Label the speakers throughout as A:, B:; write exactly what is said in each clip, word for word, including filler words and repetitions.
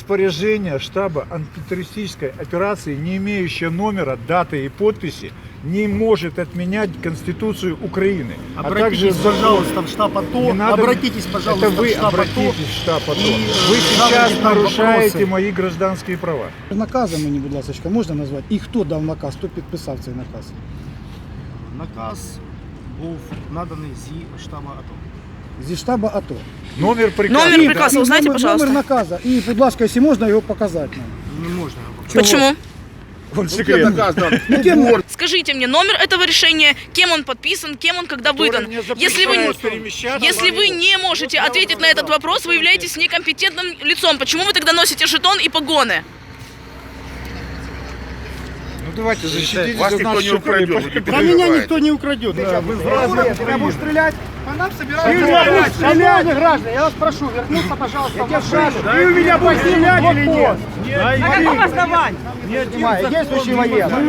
A: Распоряжение штаба антитеррористической операции, не имеющее номера, даты и подписи, не может отменять Конституцию Украины.
B: Обратитесь,
A: а также,
B: пожалуйста, в штаб АТО.
A: надо,
B: обратитесь, пожалуйста,
A: это вы
B: в штаб
A: обратитесь
B: АТО.
A: в штаб АТО.
B: И
A: Вы сейчас нарушаете
B: вопросы.
A: мои гражданские права.
C: Наказом мені, будь ласка, можна назвати? І хто дав наказ, хто підписав цей наказ?
B: Наказ був наданий зі штабу АТО.
C: Зі штабу АТО.
A: Номер приказа.
D: Номер приказа, узнайте,
C: номер,
D: пожалуйста.
C: Номер наказу. І, будь ласка, якщо можна, його показати нам.
B: Не можна його показати.
D: Почему?
A: Он секретный.
C: Ну, кем?
D: Скажите мне номер этого решения, кем он подписан, кем он когда выдан. Если вы, если вы не можете ответить на этот вопрос, вы являетесь некомпетентным лицом. Почему вы тогда носите жетон и погоны?
A: Ну давайте защитите
E: Вас
A: от
E: никто
A: нас
E: не украдет. вы не
B: А меня
E: переживайте.
B: никто не украдет.
C: Тебя будешь стрелять? По нам собираются. Шановные граждане, я вас прошу, вернуться, пожалуйста, в машину.
B: Ты у меня будешь стрелять или нет?
C: На каком основании? Действующий военный.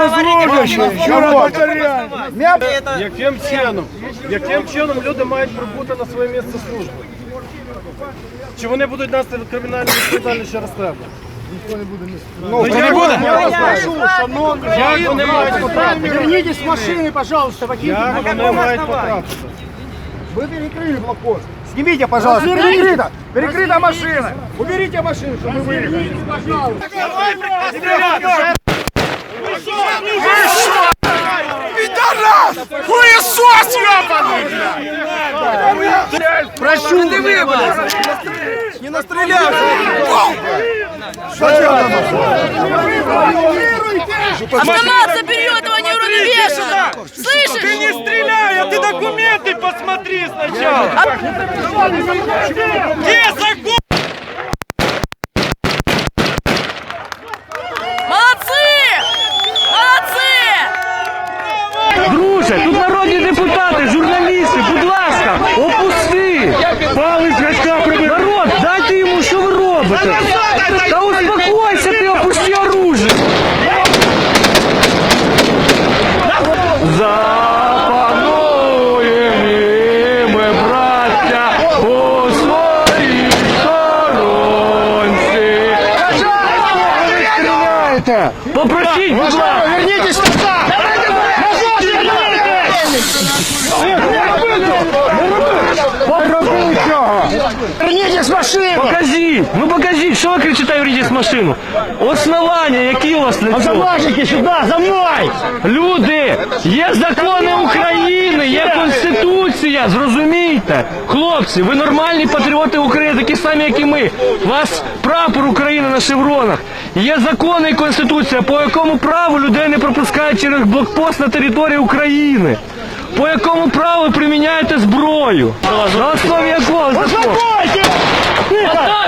F: Яким чином? Яким чином люди мають прибути на своє місце служби? Чи вони будуть нести кримінальну відповідальність через тебе?
C: Ну,
F: я не буду.
C: Я вас прошу, шановні.
F: Як вони мають потрапити?
C: Вернитесь с машины, пожалуйста, покиньте.
F: Як вони мають потрапити?
C: Вы перекрыли блокпост. Снимите, пожалуйста. Перекрыта. Перекрыта машина. Уберите машину, чтобы мы выехали. Пожалуйста.
E: Хуесос, ёбаный!
C: Прошу, ты выбрали. Не настреляй.
D: Автомат забери у этого неуравновешенного! Слышишь?
F: Ты не стреляй, а ты документы посмотри сначала! Где закон?
D: Молодцы! Молодцы!
G: Друже, тут народні депутати, журналісти, будь ласка, опусти! Палець гачка прибери! Народ, дайте йому, що ви робите? Та успокойся ти, опусти оружие! Запануємо ми, браття, у своїй сторонці! Попросіть, будь ласка!
C: Вернитесь назад. Вернитесь с машины.
G: Покажіть! Ну покажіть, що ви кричите, верніть машину? Основання, які у вас для цього?
C: Заложники сюда, за мной.
G: Люди, є закони України, є Конституція, зрозумійте. Хлопці, ви нормальні патріоти України, такі самі, як і ми. У вас прапор України на шевронах. Є закони і Конституція, по якому праву людей не пропускають через блокпост на території України. По якому праву ви приміняєте зброю? На основі якого закону?